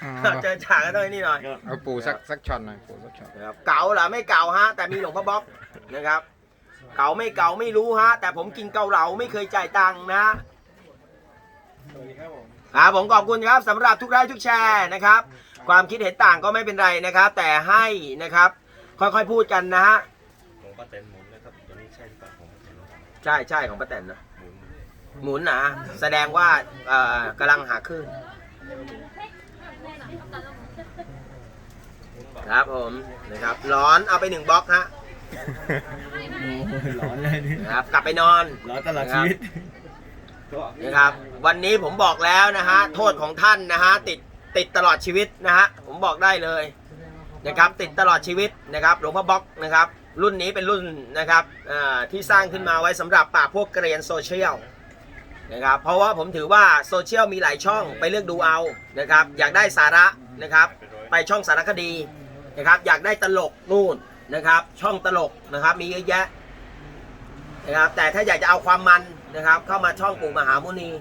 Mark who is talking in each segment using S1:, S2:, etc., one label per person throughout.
S1: เจอฉากกันด้วยนี่หน่อย
S2: เอาปูสักช็อตหน่อยปูสักช็อต
S1: นะครับเก่าเหรอไม่เก่าฮะแต่มีหลวงพ่อบ๊อบนะครับเก่าไม่รู้ฮะแต่ผมกินเกาเหลาไม่เคยจ่ายตังค์นะผมขอบคุณครับสำหรับทุกไลค์ทุกแชร์นะครับความคิดเห็นต่างก็ไม่เป็นไรนะครับแต่ให้นะครับค่อยๆพูดกันนะฮะ
S3: ของป้าแตนหมุนนะครับตัวนี้ใช่หรือเปล่าของป้าแตน
S1: ใช่ของป้าแตนนะหมุนนะแสดงว่ากำลังหาคลื่นครับผมนะครับร้อนเอาไป1บล็อกฮะ
S4: ร้อนเลยนี่
S1: ครับกลับไปนอน
S4: ร้อนตลอดชีวิต
S1: นะครับวันนี้ผมบอกแล้วนะฮะโทษของท่านนะฮะติดตลอดชีวิตนะฮะผมบอกได้เลยนะครับติดตลอดชีวิตนะครับหลวงพ่อบ๊อกนะครับรุ่นนี้เป็นรุ่นนะครับที่สร้างขึ้นมาไว้สำหรับปราบพวกเกรียนโซเชียลนะครับเพราะว่าผมถือว่าโซเชียลมีหลายช่องไปเลือกดูเอานะครับอยากได้สาระนะครับไปช่องสารคดีนะครับอยากได้ตลกนู่นนะครับช่องตลกนะครับมีเยอะแยะนะครับแต่ถ้าอยากจะเอาความมันนะครับเข้ามาช่องปู่มหามุนี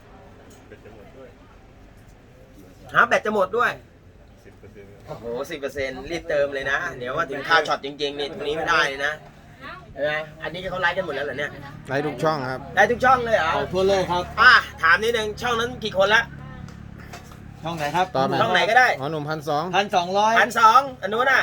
S1: แบตจะหมดด้วยโอ้โห10%รีบเติมเลยนะเดี๋ยวว่าถึงค่าช็อตจริงๆนี่ตรงนี้ไม่ได้เลยนะเห็นไหมอันนี้เขาไลฟ์กันหมดแล้วเหรอเนี่ย
S2: ไลฟ์ทุกช่องครับ
S1: ไลฟ์ทุกช่องเลยเหรอ
S4: ทั่วโลกครับ
S1: ถามนิดนึงช่องนั้นกี่คนละ
S4: ช่องไหนครับ
S2: ต่อมา
S1: ช่องไหนก็ได้
S2: หมอหนุ่ม1,200
S4: 1,200
S1: 1,200อันนู้นน่ะ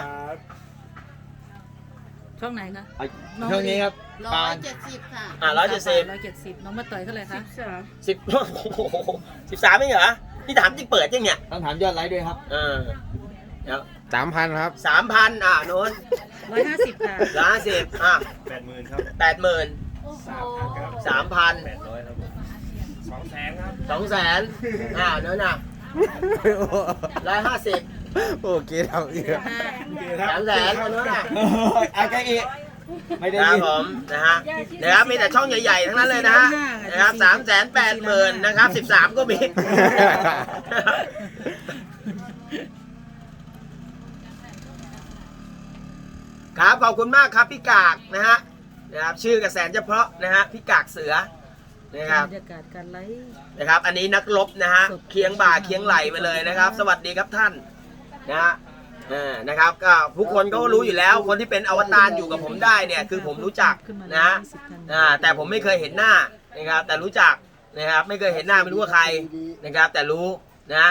S5: ช่องไหนคะ
S4: ช่องนี้ครับปาน
S5: 170 ค่ะ
S1: 170
S5: 170น้องมาต่อยเท่าไหร่คะ
S1: 10โอ้โห13ไม่เหรอนี่ถามจริงเปิดยังเนี่ย
S4: ต้องถามยอดไลค์ด้วยครับ
S1: เดี๋ยว
S2: 3,000 ครับ
S1: 3,000โน้น
S5: 150 ค่ะ
S1: 150
S3: 80,000ครับ
S1: 80,000
S5: โอ้โห
S1: 3,000
S3: 800ครับผม200,000ครับ
S1: 200,000โน้นน่ะ150
S2: โอเคเอาอีก
S1: 300,000โน้นน่ะ
S4: อะไรอีกไม่ได้
S1: ครับ
S4: ยิน
S1: ผมนะครับมีแต่ช่องใหญ่ๆทั้งนั้นเลยนะฮะนะครับ380,000นะครับ13ก็มี ครับขอบคุณมากครับพี่กากนะครับชื่อกระแสนเฉพาะนะฮะพี่กากเสือนะครับ
S5: บรรยากาศการไลฟ์
S1: นะครับอันนี้นักรบนะฮะเคียงบ่าเคียงไหลมาเลยนะครับ สวัสดีครับท่านนะฮะนะครับก็ผู้คนก็รู้อยู่แล้วคนที่เป็นอวตารอยู่กับผมได้เนี่ยคือผมรู้จัก
S5: ขึ้นมา
S1: นะฮะ
S5: 20 ท่าน
S1: แต่ผมไม่เคยเห็นหน้านะครับแต่รู้จักนะครับไม่เคยเห็นหน้าไม่รู้ว่าใครนะครับแต่รู้นะ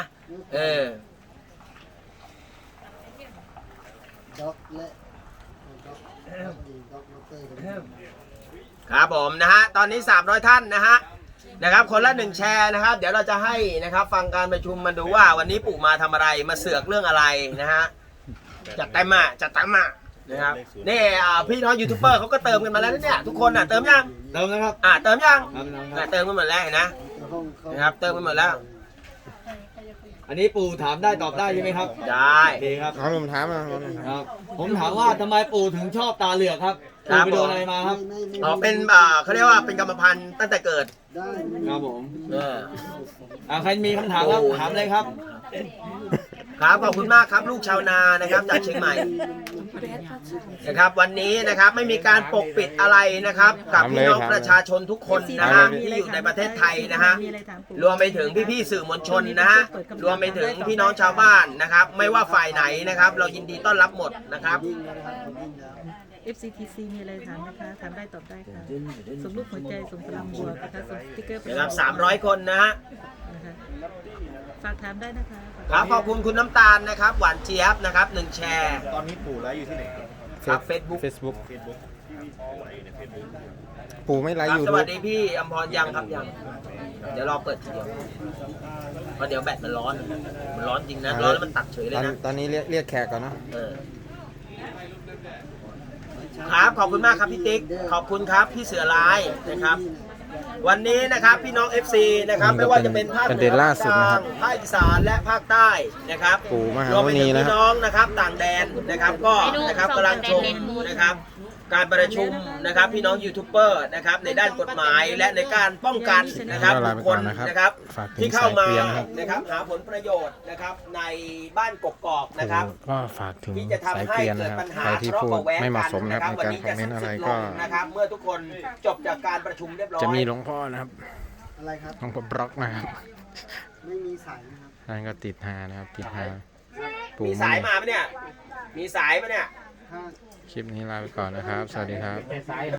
S6: ด็อกและด็อกด็อกมอเตอร์กัน
S1: ครับผมนะฮะตอนนี้300ท่านนะครับคนละ1แชร์นะครับเดี๋ยวเราจะให้นะครับฟังการประชุมมาดูว่าวันนี้ปู่มาทำอะไรมาเสือกเรื่องอะไรนะฮะจัดเต็มนะครับนี่พี่น้องยูทูบเบอร์เขาก็เติมกันมาแล้วเนี่ยทุกคนเติมยัง
S4: เติมนะครับ
S1: เติมยัง
S4: เติมครับ
S1: เติมกันหมดแล้วเห็นนะนะครับเติมกันหมดแล้ว
S4: อันนี้ปู่ถามได้ตอบได้ใช่ไหมครับ
S1: ได้
S4: ดีครับ
S2: หมอหนุ่มถามมา
S4: ครับ ผมถามว่าทำไมปู่ถึงชอบตาเหลือกครับปู่ไปโดนอะไรมาครับ
S1: เป็นเขาเรียกว่าเป็นกรรมพันธุ์ตั้งแต่เกิด
S6: ได้
S4: ครับผม
S1: เออ
S4: ใครมีคำถามครับถามเลยครับ
S1: ครับขอบคุณมากครับลูกชาวนานะครับจากเชียงใหม่นะครับวันนี้นะครับไม่มีการปกปิดอะไรนะครับกับพี่น้องประชาชนทุกคนนะฮะที่อยู่ในประเทศไทยนะฮะ
S5: มีอะไรถามปู่
S1: รวมไปถึงพี่ๆสื่อมวลชนนะฮะรวมไปถึงพี่น้องชาวบ้านนะครับไม่ว่าฝ่ายไหนนะครับเรายินดีต้อนรับหมดนะครับ
S5: FCTC มีอะไรถามนะคะถามได้ตอบได้ค่ะส่งรูปหัวใจส่งพลังบวกนะคะส่งสติ๊กเกอร์ไป
S1: นะครับ300 คนนะฮะ
S5: นะคะฝากถามได้นะคะฝาก
S1: ครับขอบคุณคุณน้ำตาลนะครับหวานเจี๊ยบนะครับ1แชร์
S3: ตอนนี้ปู่ไลฟ์อยู่ที่ไหนครับ
S1: ครับ Facebook
S2: เฟซบุ๊ก
S3: เฟซบุ๊กไลฟ์ในเฟซบุ๊ก
S2: ปู่ไม่ไล
S1: ค
S2: ฟ์
S1: รับ
S2: ยู
S1: ส
S2: ทู
S1: วั
S2: บ
S1: สดีพี่อมพรยังครับยังเดี๋ยวรอเปิดทีเดียวเพราะเดี๋ยวแบตมันร้อนจริงนะร้อนแล้วมันตัดเฉยเลยนะ
S2: ตอนนี้เรียกแขกก่อนเนาะ
S1: ครับขอบคุณมากครับพี่ติ๊กขอบคุณครับพี่เสือร้ายนะครับวันนี้นะครับพี่น้อง FC นะครับไม่ว่าจะเป็นภาค
S2: ประเด็นล่าสุดนะครับ
S1: ภาคอีสานและภาคใต้นะครับ
S2: ปู่มหาร
S1: วมไป
S2: มุนี
S1: ถึง
S2: นะ
S1: พี่น้องนะครับต่างแดนนะครับก็นะครับกำลังชมนะครับการประชุมนะครับพี่น้องยูทูบเบอร์นะครับในด้านกฎหมายและในการป้องกันนะครับ
S2: ลา
S1: บุ
S2: ไป
S1: คค
S2: ก่อ
S1: ล
S2: นนะครับ
S1: นะครับ
S2: ฝากถึง
S1: ที่เข้ามา
S2: สายเกรียนนะครับ
S1: นะครับหาผลประโยชน์นะครับในบ้านกกอกนะครับ
S2: ก็ฝากถึง
S1: ที่จะ
S2: สาย
S1: ทำให้
S2: เกรียน
S1: เกิ
S2: นะ
S1: ด
S2: ครับ
S1: ปัญหา
S2: ใครที่พูดไม่เหมาะสมนะครับในการคอมเมนต์อะไรก็
S1: นะครับเมื่อทุกคนจบจากการประชุมเรียบร้อย
S2: จะมีหลวงพ่อนะครับ
S6: อะไรครับ
S2: หลวงพ่อบล็อกนะครับ
S6: ไม่มีสายนะครับ
S2: ท่านก็ติดหานะครับ ติดหาปู่
S1: มี
S2: มุ
S1: สาย
S2: นี
S1: มาปะเนี่ย มีสายปะเนี่ย
S2: คลิปนี้ลาไปก่อนนะครับ สวัสดีครับ